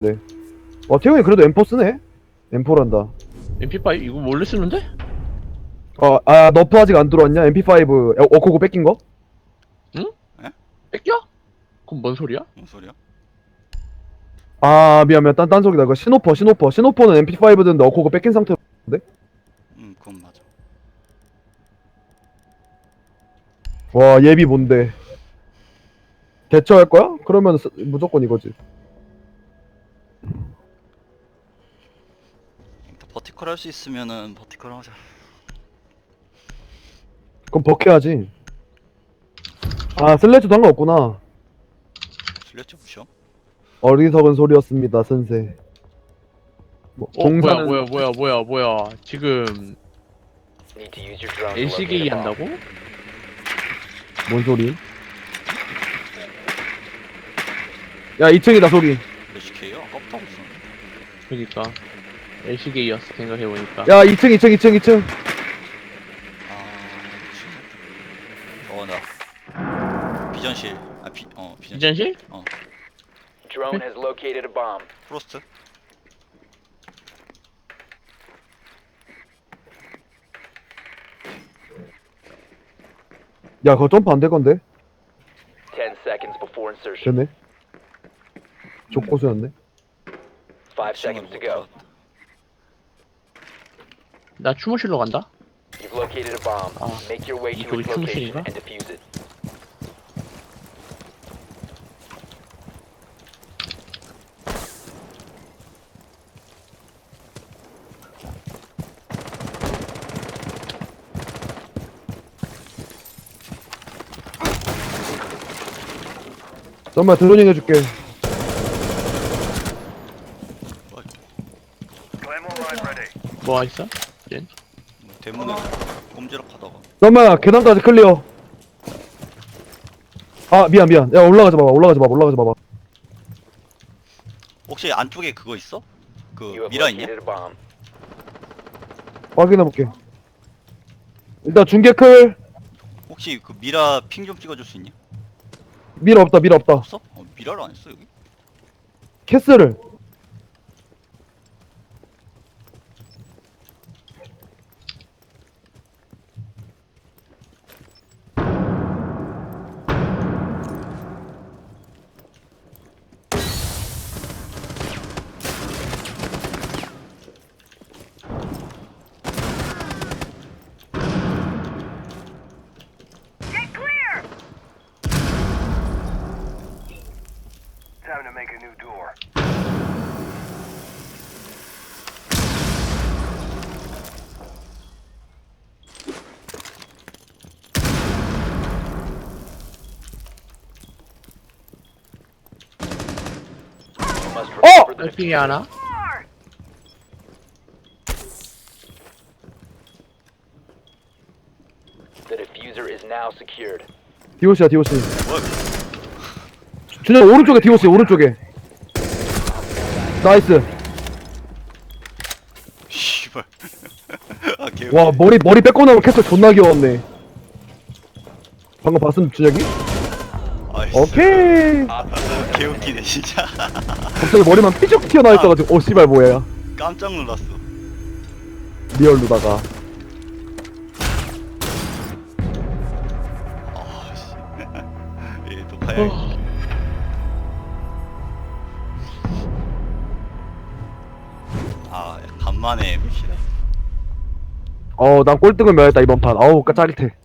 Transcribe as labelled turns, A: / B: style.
A: 네. 와, 태용이 그래도 M4 쓰네? M4란다.
B: MP5 이거 원래 쓰는데?
A: 너프 아직 안 들어왔냐? MP5 어코고 뺏긴 거?
B: 응?
C: 에?
B: 뺏겨? 그럼 뭔 소리야?
C: 뭔 소리야?
A: 미안, 딴 소리다. 이거 시노퍼는 MP5 드는데 어코고 뺏긴 상태로.
C: 그건 맞아.
A: 와, 예비 뭔데? 대처할 거야? 그러면 무조건 이거지.
C: 일단 버티컬 할 수 있으면은 버티컬 하자.
A: 그럼 버켜야지. 슬래치도 상관없구나.
C: 슬래치 무시어?
A: 어리석은 소리였습니다, 선생.
B: 뭐야 지금 LCK 한다고?
A: 뭔 소리? 야, 2층이다, 소리.
C: LCK요? 아까부터 하고 있었는데.
B: 그니까 LCK였어 생각해보니까.
A: 야, 2층.
C: 나 비전실. 비전실.
B: 비전실?
D: Drone has located a bomb.
C: 프로스트?
A: 야, 그거 점프 안 될 건데?
D: 10 seconds before insertion.
A: 됐네. 족고수였네.
D: 5 seconds to go.
B: 나 추모실로 간다?
D: You've located a bomb. Make your way to
B: 이쪽이
D: its location
B: 충실인가?
D: and defuse it.
A: 잠깐만, 드로닝 해줄게.
B: 뭐가 있어? 젠?
C: 대문에 꼼지락하다가.
A: 잠깐만, 계단까지 클리어. 미안. 야, 올라가지 마봐.
C: 혹시 안쪽에 그거 있어? 그
D: You have
C: 미라 있냐?
D: located a bomb.
A: 확인해볼게. 일단 중계 클.
C: 혹시 그 미라 핑 좀 찍어줄 수 있냐?
A: 미라 없다.
C: 없어? 미라를 안 했어 여기?
A: 캐스를.
E: Time to make a new door.
D: You must recover the
B: LCK 하나?
D: The diffuser is now secured.
A: 디오씨야.
C: 뭐야?
A: 준영 오른쪽에 디오씨, 오른쪽에. 나이스.
C: 씨발. 개웃기네.
A: 와, 머리 뺏고 나면 캐스 존나 귀여웠네. 방금 봤음, 준혁이?
C: 아이씨.
A: 오케이.
C: 개웃기네 진짜.
A: 갑자기 머리만 삐죽 튀어나와 있어가지고, 씨발, 뭐야.
C: 깜짝 놀랐어.
A: 리얼루다가.
C: 아씨. 얘 녹화해야겠다. 간만에 MC다.
A: 난 꼴등을 면했다, 이번 판. 짜릿해.